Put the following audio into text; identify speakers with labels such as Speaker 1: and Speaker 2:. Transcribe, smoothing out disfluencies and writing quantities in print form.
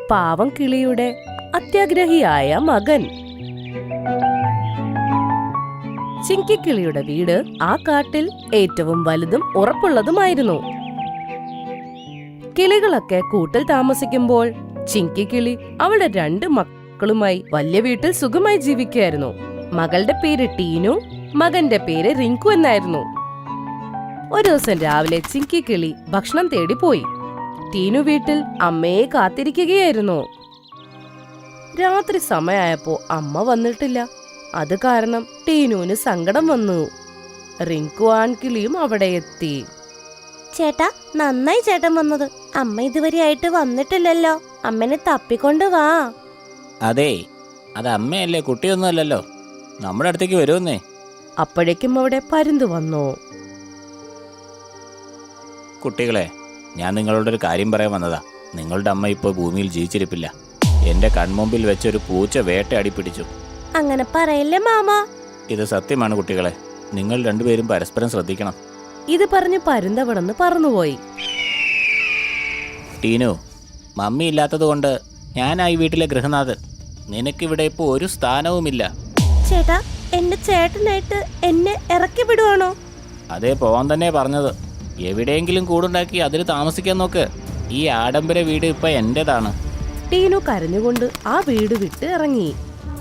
Speaker 1: പാവം കിളിയുടെ അത്യാഗ്രഹിയായ മകൻ. ചിങ്കിക്കിളിയുടെ വീട് ആ കാട്ടിൽ ഏറ്റവും വലുതും ഉറപ്പുള്ളതുമായിരുന്നു. കിളികളൊക്കെ കൂട്ടിൽ താമസിക്കുമ്പോൾ ചിങ്കിക്കിളി അവളുടെ 2 മക്കളുമായി വലിയ വീട്ടിൽ സുഖമായി ജീവിക്കുകയായിരുന്നു. മകളുടെ പേര് ടീനു, മകന്റെ പേര് റിങ്കു എന്നായിരുന്നു. ഒരു ദിവസം രാവിലെ ചിങ്കിക്കിളി ഭക്ഷണം തേടി പോയി. ടീനു വീട്ടിൽ അമ്മയെ കാത്തിരിക്കുകയായിരുന്നു. രാത്രി സമയമായപ്പോ അമ്മ വന്നിട്ടില്ല. അത് കാരണം ടീനുവിന് സങ്കടം വന്നു. റിങ്കു ആൺകിളിയും അവിടെ എത്തി.
Speaker 2: ചേട്ടാ, നന്നായി ചേട്ടൻ വന്നത്. അമ്മ ഇതുവരെയായിട്ട് വന്നിട്ടില്ലല്ലോ. അമ്മനെ തപ്പിക്കൊണ്ട് വാ.
Speaker 3: അതെ, അത് അമ്മയല്ലേ, കുട്ടിയൊന്നും അല്ലല്ലോ. നമ്മുടെ അടുത്തേക്ക് വരുമെന്നേ.
Speaker 1: അപ്പോഴേക്കും അവിടെ പരുന്ത് വന്നു.
Speaker 3: കുട്ടികളെ, ഞാൻ നിങ്ങളോടൊരു കാര്യം പറയാൻ വന്നതാ. നിങ്ങളുടെ അമ്മ ഇപ്പോൾ ഭൂമിയിൽ ജീവിച്ചിരിപ്പില്ല. എന്റെ കൺമുമ്പിൽ വെച്ചൊരു പൂച്ച വേട്ടയാടി പിടിച്ചു.
Speaker 2: അങ്ങനെ പറയല്ലേ മാമ.
Speaker 3: ഇത് സത്യമാണ് കുട്ടികളെ. നിങ്ങൾ രണ്ടുപേരും പരസ്പരം ശ്രദ്ധിക്കണം.
Speaker 1: ഇത് പറഞ്ഞ് പരുന്ത് അവിടുന്ന് പറന്നുപോയി.
Speaker 3: ടീനു, മമ്മി ഇല്ലാത്തത് കൊണ്ട് ഞാനായി വീട്ടിലെ ഗൃഹനാഥൻ. നിനക്കിവിടെ ഇപ്പോൾ ഒരു സ്ഥാനവുമില്ല.
Speaker 2: ചേട്ടാ, എന്റെ ചേട്ടനായിട്ട് എന്നെ ഇറക്കി വിടുവാണോ?
Speaker 3: അതേ, പോവാൻ തന്നെ പറഞ്ഞത്. എവിടെയെങ്കിലും കൂടുണ്ടാക്കി അതിൽ താമസിക്കാൻ നോക്ക്. ഈ ആഡംബര വീട് ഇപ്പൊ എന്റേതാണ്.
Speaker 1: ടീനു കരഞ്ഞുകൊണ്ട് ആ വീട് വിട്ട് ഇറങ്ങി.